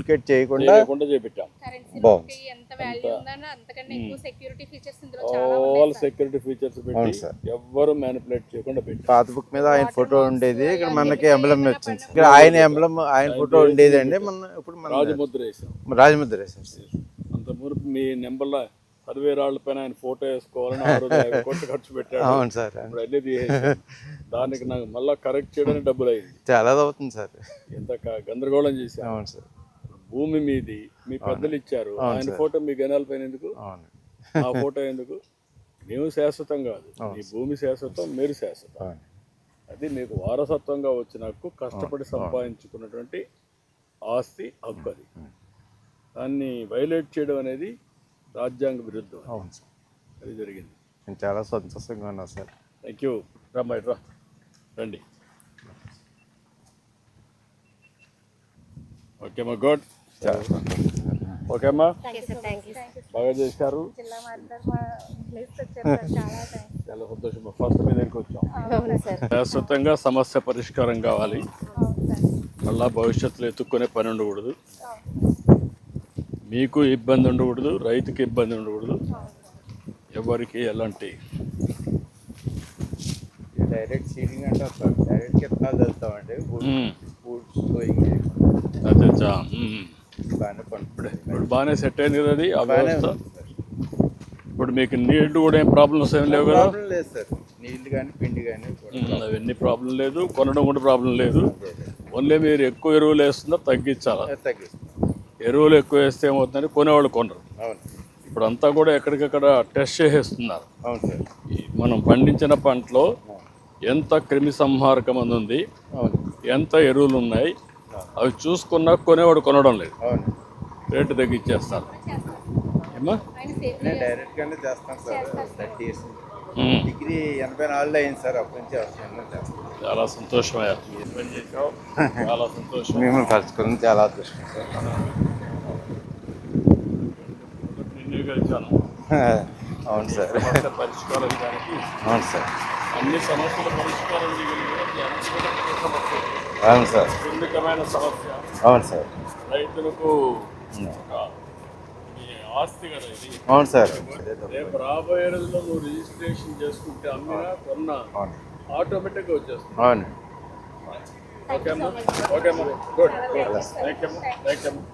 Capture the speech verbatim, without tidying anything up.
Duplicate చేయకుండా లేకుండా చేపించాం. బాగుంది. ఎంత వాల్యూ ఉందన్న అంతకన్నా ఎక్కువ సెక్యూరిటీ ఫీచర్స్ ఇందులో చాలా ఆల్ ఉన్నాయి సార్. సెక్యూరిటీ ఫీచర్స్ పెట్టి అవును సార్. ఎవ్వరు మ్యానిపులేట్ చేయకుండా పెట్టి పాత బుక్ మీద ఆయన ఫోటో ఉండేది, ఇక్కడ మనకి ఎంబ్లం వచ్చింది సార్. ఇక్కడ ఆయన ఎంబ్లం ఆయన ఫోటో ఉండేది అండి, మన ఇప్పుడు మన రాజముద్ర వేసాం. రాజముద్ర వేశారు సార్. అంత మునుపు మీ నెంబర్లో సర్వే రాళ్ళ పైన ఆయన ఫోటో వేసుకోవాలని ఆ రోజు యాభై కోట్లు ఖర్చు పెట్టాడు. అవును సార్. ఇప్పుడు అన్నీ తీసేసాం. దానికి నాకు మళ్ళీ కరెక్ట్ చేయడానికి డబ్బులు అయింది. చాలా అవుతుంది సార్. ఎంత క- గందరగోళం చేశాం. అవును సార్. భూమి మీది మీ పెద్దలు ఇచ్చారు, ఆయన ఫోటో మీ గనాల పైన ఎందుకు, అవును. ఆ ఫోటో ఎందుకు? మేము శాశ్వతం కాదు, మీ భూమి శాశ్వతం, మీరు శాశ్వతం. అవును. అది మీకు వారసత్వంగా వచ్చిన హక్కు, కష్టపడి సంపాదించుకున్నటువంటి ఆస్తి హక్కు. అది దాన్ని వైలేట్ చేయడం అనేది రాజ్యాంగ విరుద్ధం. అవును సార్. అది జరిగింది. నేను చాలా సంతోషంగా ఉన్నా సార్. Thank you. రమ్మాయి రా, రండి. ఓకే అమ్మా, గుడ్. చాలా సంతోషం. ఓకే అమ్మా, థాంక్యూ సార్, థాంక్యూ సార్. బాగా చేశారు. జిల్లా మాట్లాడారు మా ప్లేస్ వచ్చారు సార్, చాలా థాంక్స్. చాలా సంతోషం. ఫస్ట్ మీ దగ్గరికి వచ్చాం. అవును సార్. శాశ్వతంగా సమస్య పరిష్కారం కావాలి. అవును సార్. మళ్ళా భవిష్యత్తులో ఎత్తుక్కునే పని ఉండకూడదు, మీకు ఇబ్బంది ఉండకూడదు, రైతుకి ఇబ్బంది ఉండకూడదు, ఎవరికి ఎలాంటి డైరెక్ట్ సీడింగ్ అంటారు సార్. డైరెక్ట్ విత్తనాలు చల్లుతామండి. మ్మ్. బూట్స్ గోయింగ్ అదే చా. మ్మ్. బాగానే పండుతుంది. ఇప్పుడు బాగానే సెట్ అయింది కదా అది ఆ బాగానే వ్యవస్థ. ఉంది సార్. ఇప్పుడు మీకు నీళ్లు కూడా ఏం ప్రాబ్లమ్స్ ఏం లేవు కదా. ప్రాబ్లం లేదు సార్. నీళ్ళు కానీ పిండి కానీ మ్మ్. అవన్నీ ప్రాబ్లం లేదు, కొనడం కూడా ప్రాబ్లం లేదు. ఓన్లీ మీరు ఎక్కువ ఎరువులు వేస్తుందా తగ్గించాలా. తగ్గిస్తాం. ఎరువులు ఎక్కువ వేస్తే ఏమవుతుందని కొనేవాళ్ళు కొనరు. అవును. ఇప్పుడు అంతా కూడా ఎక్కడికక్కడ టెస్ట్ చేసేస్తున్నారు. అవును సార్. ఈ మనం పండించిన పంటలో ఎంత క్రిమి సంహారకం మందు ఉంది, అవును. ఎంత ఎరువులు ఉన్నాయి, అవి చూసుకున్నా కొనేవాడు కొనడం లేదు, అవును. రేటు తగ్గించేస్తారు. ఏమా ఆయన సేఫ్ నేను డైరెక్ట్గానే చేస్తాను సార్. థర్టీ ఇయర్స్ మ్మ్. డిగ్రీ ఎనభై నాలుగులో అయింది సార్. అప్పటి నుంచి అవసరం చేస్తాను. చాలా సంతోషమయ్యా, ఏం పని చేసావు, చాలా సంతోషం. మిమ్మల్ని కలుసుకుని చాలా అదృష్టం సార్. నిన్ను కలిసాను. అవును సార్. సమస్య పరిష్కారం దానికి అవును సార్. అన్ని సమస్యల పరిష్కారం చేయగలిగిన అన్ని సమస్య, అవును సార్. సున్నితమైన సమస్య, అవును సార్. రైతులకు ఒక ఈ ఆస్తి కదా ఇది. అవును సార్. రేపు రాబోయే రోజుల్లో నువ్వు రిజిస్ట్రేషన్ చేసుకుంటే అమ్మినా కొన్నా అవును. ఆటోమేటిక్గా వచ్చేస్తుంది. అవును. ఓకే అమ్మా, ఓకే అమ్మా, గుడ్ గుడ్. థ్యాంక్ యూ అమ్మా, థ్యాంక్ యూ అమ్మా.